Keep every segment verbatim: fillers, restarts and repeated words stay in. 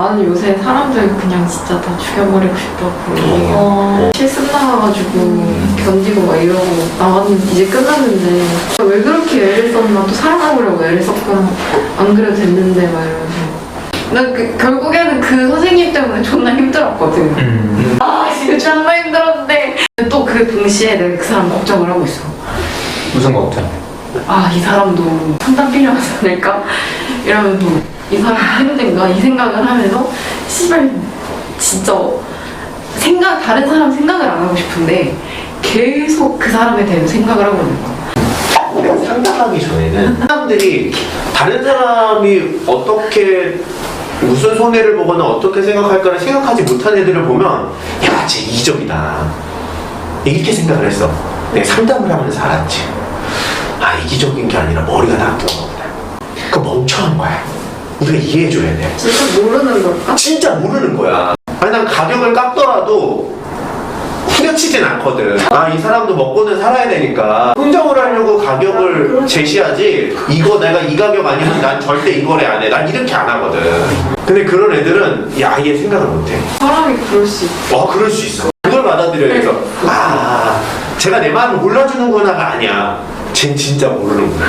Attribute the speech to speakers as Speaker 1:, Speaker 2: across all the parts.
Speaker 1: 나는 요새 사람들 그냥 진짜 다 죽여버리고 싶다고 얘기해.
Speaker 2: 어.
Speaker 1: 실습 나가가지고 음. 견디고 막 이러고 나왔는데 이제 끝났는데 왜 그렇게 애를 썼나, 또 사랑하려고 애를 썼구나, 안 그래도 됐는데 막 이러면서. 난 그, 결국에는 그 선생님 때문에 존나 힘들었거든.
Speaker 2: 음.
Speaker 1: 아 진짜 존나 힘들었는데 또 그 동시에 내가 그 사람 걱정을 하고 있어.
Speaker 2: 무슨 걱정?
Speaker 1: 아 이 사람도 상담 필요하지 않을까? 이러면서 이 사람 힘든가? 이 생각을 하면서 씨발 진짜 생각, 다른 사람 생각을 안 하고 싶은데 계속 그 사람에 대해 생각을 하고 있는 거야.
Speaker 3: 그러니까 상담하기 전에는 사람들이 다른 사람이 어떻게 무슨 손해를 보거나 어떻게 생각할까를 생각하지 못한 애들을 보면 야, 쟤 이기적이다 이렇게 생각을 했어. 내가 상담을 하면서 알았지. 아, 이기적인 게 아니라 머리가 나쁜 거구나. 그 멍청한 거야. 우리가 이해해줘야 돼.
Speaker 1: 진짜 모르는 걸까?
Speaker 3: 진짜 모르는 거야. 아니, 난 가격을 깎더라도 후려치진 않거든. 아, 이 사람도 먹고는 살아야 되니까 흥정을 하려고 가격을 제시하지, 이거 내가 이 가격 아니면 난 절대 이거래 안 해, 난 이렇게 안 하거든. 근데 그런 애들은 야, 아예 생각을 못해.
Speaker 1: 사람이 그럴 수 있어.
Speaker 3: 와, 그럴 수 있어. 그걸 받아들여야 해서 아, 제가 내 마음을 몰라주는구나가 아니야, 쟨 진짜 모르는구나.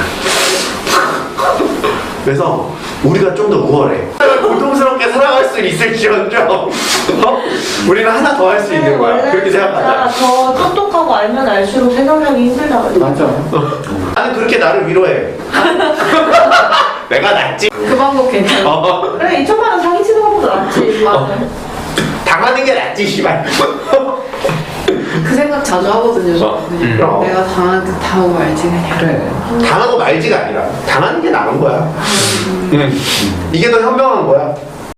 Speaker 3: 그래서 우리가 좀 더 우월해. 고통스럽게 살아갈 수 있을지언정 어? 우리는 하나 더 할 수 있는 거야. 그렇게 생각하자.
Speaker 4: 더 똑똑하고 알면 알수록 생각하기 힘들다.
Speaker 2: 맞아.
Speaker 3: 나는 그렇게 나를 위로해. 내가 낫지.
Speaker 1: 그 방법 괜찮아.
Speaker 3: 어.
Speaker 4: 그래, 이천만 원 사기치는 것보다 낫지.
Speaker 1: 맞아.
Speaker 3: 당하는 게 낫지, 씨발.
Speaker 1: 그 생각 자주 하거든요.
Speaker 3: 어.
Speaker 1: 저는.
Speaker 3: 음. 그럼.
Speaker 1: 내가 당한 듯 하고 말지 그냥.
Speaker 2: 그래.
Speaker 3: 당하고 말지가 아니라 당하는 게 나은 거야.
Speaker 2: 음.
Speaker 3: 이게 더 현명한 거야.